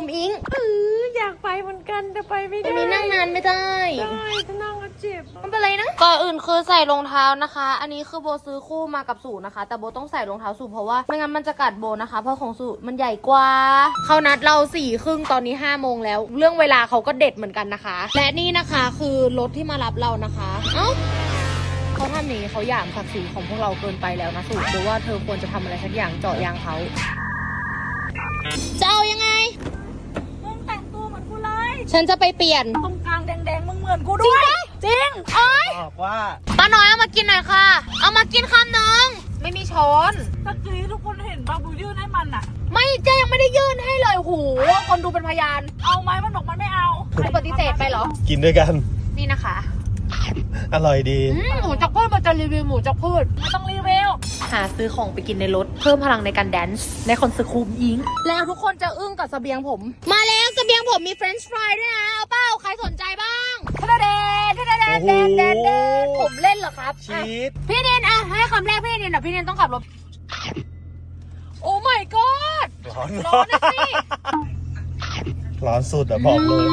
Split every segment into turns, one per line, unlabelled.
มอิง
อยากไปเหมือนกันแต่ไปไม่ได้
อันนี้นั่งนานไม่ได้
จะนั่งก็เจ็บ
ไม่เป็นไรนะก่อนอื่นคือใส่รองเท้านะคะ อันนี้คือโบซื้อคู่มากับสูนะคะแต่โบต้องใส่รองเท้าสูเพราะว่าไม่งั้นมันจะกัดโบนะคะเพราะของสูมันใหญ่กว่าเขานัดเรา4:30ตอนนี้5 โมงแล้วเรื่องเวลาเขาก็เด็ดเหมือนกันนะคะและนี่นะคะคือรถที่มารับเรานะคะเอ้าเขาทำอย่างนี้เขาหยามศักดิ์ศรีของพวกเราเกินไปแล้วนะสูหรือว่าเธอควรจะทำอะไรสักอย่างเจาะยางเขาจะเอายังไง
มึงแต่งตัวเหมือนกูเลย
ฉันจะไปเปลี่ยน
ตรงกลางแดงๆมึงเหมือนกูด้วยจริง
โอ๊ย
บอกว่า
ป้าน้อยเอามากินหน่อยค่ะเอามากินคำนึงไม่มีช้อน
ตะกี้ทุกคนเห็นปะบูยื่นให้มันอะ
ไม่เจ๊ยังไม่ได้ยื่นให้เลยหูคนดูเป็นพยาน
เอาไหมมันบอกมันไม่เอา
ปฏิเสธไปเหรอ
กินด้วยกัน
นี่นะคะ
อร่อยดี
หมูจักพืชมันจะรีวิวหมูจักพืช
ไม่ต้องรีวิว
หาซื้อของไปกินในรถเพิ่มพลังในการแดนซ์ในคอนเสิร์ตคูมอิงแล้วทุกคนจะอึ้งกับเสบียงผมมาแล้วเสบียงผมมีเฟรนช์ฟรายด้วยนะเอาเป้าใครสนใจบ้างทะเลผมเล่นเหรอครับ
ชีส
พี่เนนให้คำแรกพี่เนนพี่เนนต้องขับรถโอ้ my god
ร้อน
นะสิ
ร้อนสุดอะบอกเลย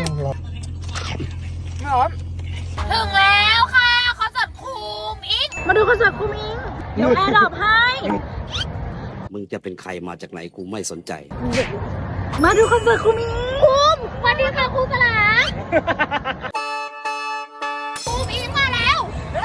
ร้อนถึงแล้วค่ะคอนเสิร์ตคูมอิงมาดูคอนเสิร์ตคูมอิงเดี๋ยวแอร์ดรอปให้
มึงจะเป็นใครมาจากไหนกูไม่สนใจ
มาดูคอนเสิร์ตคูมอิงคูมสวัสดีค่ะครูสลาคูมอิงมาแล้ว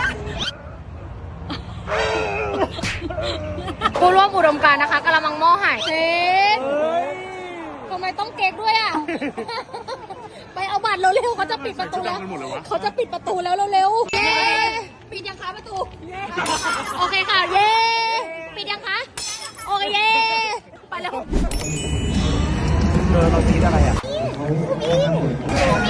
ผู้ร่วมอุดมการณ์นะคะกำลังหม้อหายเซ็ตทำไมต้องเก๊กด้วยอ่ะไปเอาบัตรเร็วๆเขาจะปิดประตูแล้วเขาจะปิดประตูแล้วเร็วๆเย้ปิดยังคะประตูโอเคค่ะเย้ปิดยังคะโอเคเย้ไปแล้ว
เราซีดอะไรอ่ะ